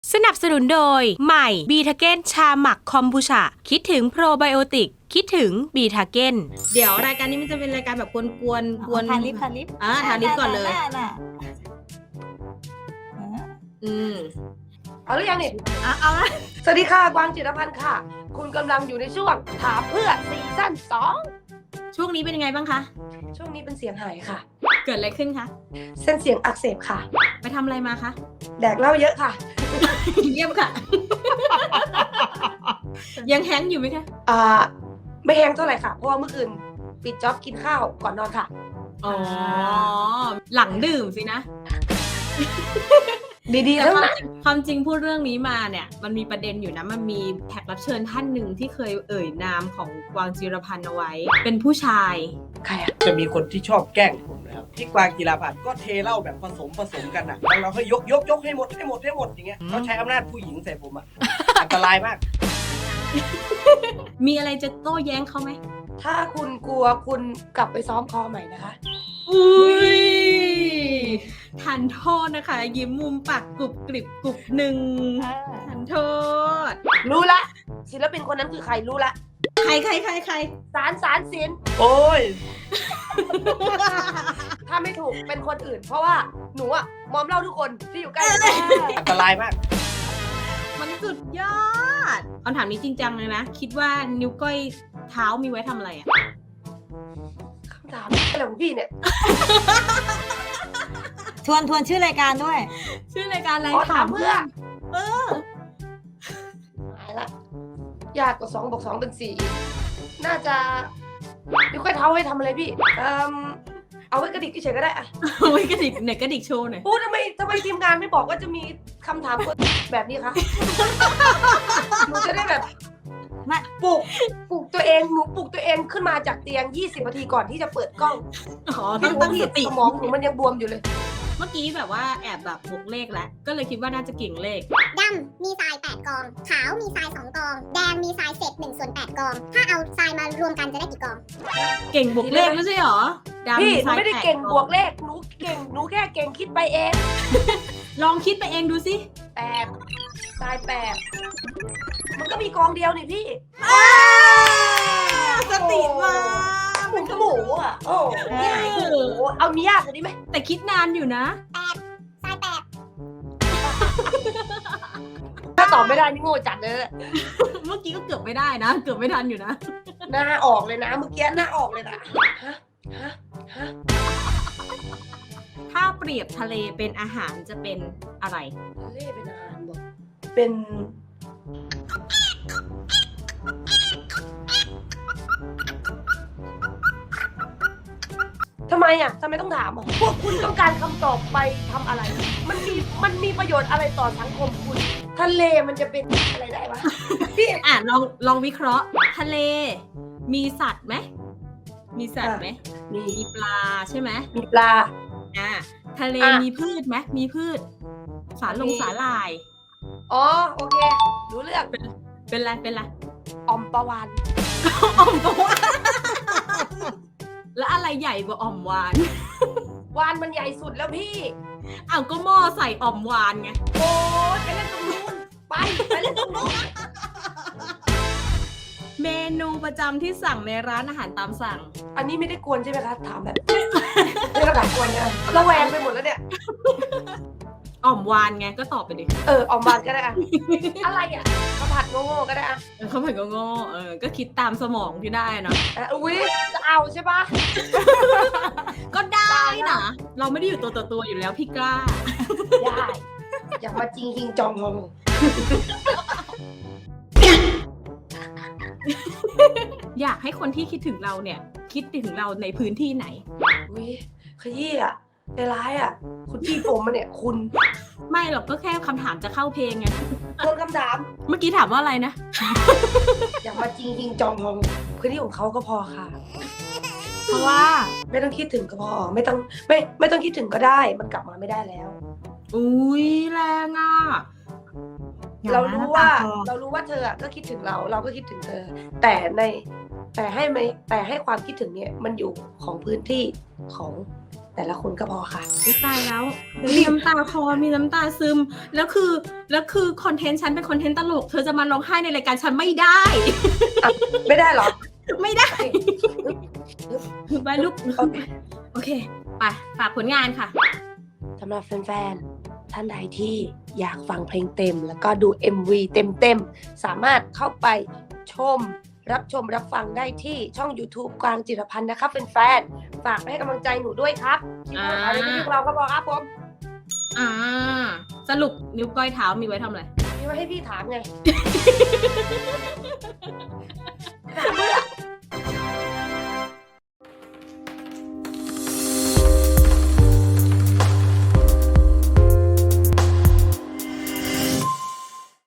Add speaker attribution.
Speaker 1: สนับสนุนโดยใหม่บีทาเก้นชาหมักคอมบูชาคิดถึงโปรไบโอติกคิดถึงบีทาเก้นเดี๋ยวรายการนี้มันจะเป็นรายการแบบกวน
Speaker 2: ทานลิป
Speaker 1: ทานลิปก่อนเลย
Speaker 3: เอาหรือยังนี่
Speaker 1: เอาละ
Speaker 3: สวัสดีค่ะกวางจิรพันธ์ค่ะ คุณกำลังอยู่ในช่วงถามเพื่อซีซั่น2
Speaker 1: ช่วงนี้เป็นยังไงบ้างคะ
Speaker 3: ช่วงนี้เป็นเสียงหายค่ะ
Speaker 1: เกิดอะไรขึ้นคะ
Speaker 3: เส้นเสียงอักเสบค่ะ
Speaker 1: ไปทำอะไรมาคะ
Speaker 3: แดกเหล้าเยอะค่ะ
Speaker 1: เยี่ยมค่ะ ยังแฮงก์อยู่ไหมคะ
Speaker 3: ไม่แห้งเท่าไหร่ค่ะ เพราะว่าเมื่อคืนปิดจ็อบกินข้าวก่อนนอนค่ะ
Speaker 1: อ๋อหลังดื่มสินะ
Speaker 3: ดีๆ
Speaker 1: แต่
Speaker 3: ทั้งนั้น
Speaker 1: ความจริงพูดเรื่องนี้มาเนี่ยมันมีประเด็นอยู่นะมันมีแขกรับเชิญท่านหนึ่งที่เคยเอ่ยนามของกวางจิรพันธ์เอาไว้ เป็นผู้ชาย
Speaker 3: ใครอะ
Speaker 4: จะมีคนที่ชอบแกล้งผมนะครับที่กวางกีฬาพันธ์ก็เทเหล้าแบบผสมกันอ่ะแล้วเราก็ยกให้หมดอย่างเงี้ยเขาใช้อำนาจผู้หญิงใส่ผมอ่ะ อันตรายมาก
Speaker 1: มีอะไรจะโต้แย้งเขาไหม
Speaker 3: ถ้าคุณกลัวคุณกลับไปซ้อมคอใหม่นะคะ
Speaker 1: อุ้ยทันโทษนะคะ ยิ้มมุมปากกรุบกริบกรุบหนึ่งทันโทษ
Speaker 3: รู้ละศิลปินคนนั้นคือใครรู้ละ
Speaker 1: ใคร
Speaker 3: สารสิน
Speaker 4: โอ้ย
Speaker 3: ถ้าไม่ถูกเป็นคนอื่น เพราะว่าหนูอะมอมเหล่าทุกคนที่อยู่ใกล้
Speaker 4: อันตรายมาก
Speaker 1: มันสุดยอดคำถามนี้จริงจังเลยนะ คิดว่านิ้วก้อยเท้ามีไว้ทำอะไรอ่ะ
Speaker 3: คำถามอะไรของพี่เนี่ย
Speaker 2: ทวนชื่อรายการด้วย
Speaker 1: ชื่อรายการอะไร
Speaker 3: ขอถามเพื่อ
Speaker 1: เออ
Speaker 3: หายละยากกว่า2 บวก 2 เป็น 4น่าจะไม่ค่อยเท้าให้ทำอะไรพี่เอาไว้กระดิกเฉยๆก็ได้อะ
Speaker 1: ไว้กระดิกไหนกระดิกโชว์หน่อย
Speaker 3: พูดทำไมทีมงานไม่บอกว่าจะมีคำถามแบบนี้คะหนูจะได้แบบ
Speaker 2: ไม่
Speaker 3: ปลุกตัวเองหนูปลุกตัวเองขึ้นมาจากเตียง20 นาทีก่อนที่จะเปิดกล้อง
Speaker 1: อ๋อ
Speaker 3: พี่
Speaker 1: ต้อง
Speaker 3: รู้
Speaker 1: ตั้ง
Speaker 3: พี่
Speaker 1: สติ
Speaker 3: สมองหนูมันยังบวมอยู่เลย
Speaker 1: เมื่อกี้แบบว่าแอบแบบบวกเลขแล้ว ก็เลยคิดว่าน่าจะเก่งเลข
Speaker 5: ดำมีทราย8กอง ขาวมีทราย2กอง แดงมีทรายเศษ1/8กอง ถ้าเอาทรายมารวมกันจะได้กี่กอง
Speaker 1: เก่งบวกเลขไม่ใช่หรอดำ
Speaker 3: พี่ห
Speaker 1: ท
Speaker 3: นู
Speaker 1: ราย
Speaker 3: ไม่ได้
Speaker 1: แป
Speaker 3: เก่ง
Speaker 1: ก
Speaker 3: บวกเลขหนูแค่เก่งคิดไปเอง
Speaker 1: ลองคิดไปเองดูสิ
Speaker 3: ทราย8มันก็มีกองเดียวนี่พี่
Speaker 1: สติมา
Speaker 3: หมูหมูอ่ะโอ้ยโอ้โหเอามียากกว่านี้ไหม
Speaker 1: แต่คิดนานอยู่นะ
Speaker 5: ทราย8
Speaker 3: ถ้าตอบไม่ได้นี่โง่จัดเลย
Speaker 1: เมื่อกี้ก็เกือบไม่ได้นะ เกือบไม่ทันอยู่นะ
Speaker 3: หน้าออกเลยนะเมื่อกี้หน้าออกเลยนะฮะ
Speaker 1: ถ้าเปรียบทะเลเป็นอาหารจะเป็นอะไร
Speaker 3: ทะเลเป็นอาหารบอกเป็นทำไมอ่ะทำไมต้องถามอ่ะพวกคุณต้องการคำตอบไปทำอะไร มันมีประโยชน์อะไรต่อสังคมคุณ ทะเลมันจะเป็นอะไรได้วะพี่
Speaker 1: ลองวิเคราะห์ ทะเล มีสัตว์ไหม มีสัตว์ไหม
Speaker 3: มี
Speaker 1: มีปลาใช่ไหม
Speaker 3: มีปลา
Speaker 1: ทะเล
Speaker 3: อ่ะ
Speaker 1: มีพืชไหมมีพืช สาหร่าย
Speaker 3: อ๋อโอเครู้เรื่อง
Speaker 1: เป็นไร
Speaker 3: ออมปลาวาน
Speaker 1: อ่อมก็ว่า แล้วอะไรใหญ่กว่าอ่อมหวาน
Speaker 3: วานมันใหญ่สุดแล้วพี่
Speaker 1: อ้าวก็หม้อใส่อ่อมหวานไง
Speaker 3: โอ้ยไปเล่นตรงนู้นไปเล่นตรงนู้น
Speaker 1: เมนูประจำที่สั่งในร้านอาหารตามสั่ง
Speaker 3: อันนี้ไม่ได้กวนใช่ไหมคะถามแบบไม่ระดับกวนนะระแวงไปหมดแล้วเนี่ย
Speaker 1: อ่อมหวานไงก็ตอบไปดิ
Speaker 3: ออมวานก็ได้อะอะไรอ่ะข้าวผัดโง่ๆก็ได้อะ
Speaker 1: เขาเหมือนก็โง่ก็คิดตามสมองที่ได้เนาะ
Speaker 3: อุ้ยจะเอาใช่ปะ
Speaker 1: ก็ได้นะ เราไม่ได้อยู่ตัวต่อตัวอยู่แล้วพี่กล้า
Speaker 3: ได้อย่ามาจริงจริงจองงง
Speaker 1: อยากให้คนที่คิดถึงเราเนี่ย คิดถึงเราในพื้นที่ไหน
Speaker 3: อุ้ยขยี้อ่ะใจร้ายอ่ะ คุณพี่ผมมาเนี่ยคุณ
Speaker 1: ไม่หรอกก็แค่คำถามจะเข้าเพลงไง
Speaker 3: โดนคำถาม
Speaker 1: เมื่อกี้ถามว่าอะไรนะ
Speaker 3: อย่ามาจริงจริงจองงงพื้นที่ของเขาก็พอค่ะ
Speaker 2: เพราะว่า
Speaker 3: ไม่ต้องคิดถึงก็พอไม่ต้องคิดถึงก็ได้ มันกลับมาไม่ได้แล้ว
Speaker 1: อุ้ยแรงอ่ะ
Speaker 3: เรารู้ว่าเธออะก็คิดถึงเราก็คิดถึงเธอ แต่ให้ความคิดถึงเนี่ยมันอยู่ของพื้นที่ของแต่ละคนก็พอค่ะ
Speaker 1: อุ๊ยตายแล้วมีน้ำตาคลอมีน้ำตาซึมแล้วคือคอนเทนต์ฉันเป็นคอนเทนต์ตลกเธอจะมาร้องไห้ในรายการฉันไม่ได้
Speaker 3: ไม่ได้เหรอ
Speaker 1: ไม่ได้
Speaker 3: โอเค
Speaker 1: ไปลูกโอเคไปฝากผลงานค่ะ
Speaker 3: สำหรับแฟนๆ ท่านใดที่อยากฟังเพลงเต็ม แล้วก็ดู MV เต็มๆ สามารถเข้าไปรับชมรับฟังได้ที่ช่อง YouTube กวางจิรพันธ์นะครับแฟนๆ ฝากไปให้กำลังใจหนูด้วยครับที่พูดอะไรที่พวกเราก็บอกครับผม
Speaker 1: สรุปนิ้วก้อยเท้ามีไว้ทำอะไร
Speaker 3: มีไว้ให้พี่ถามไง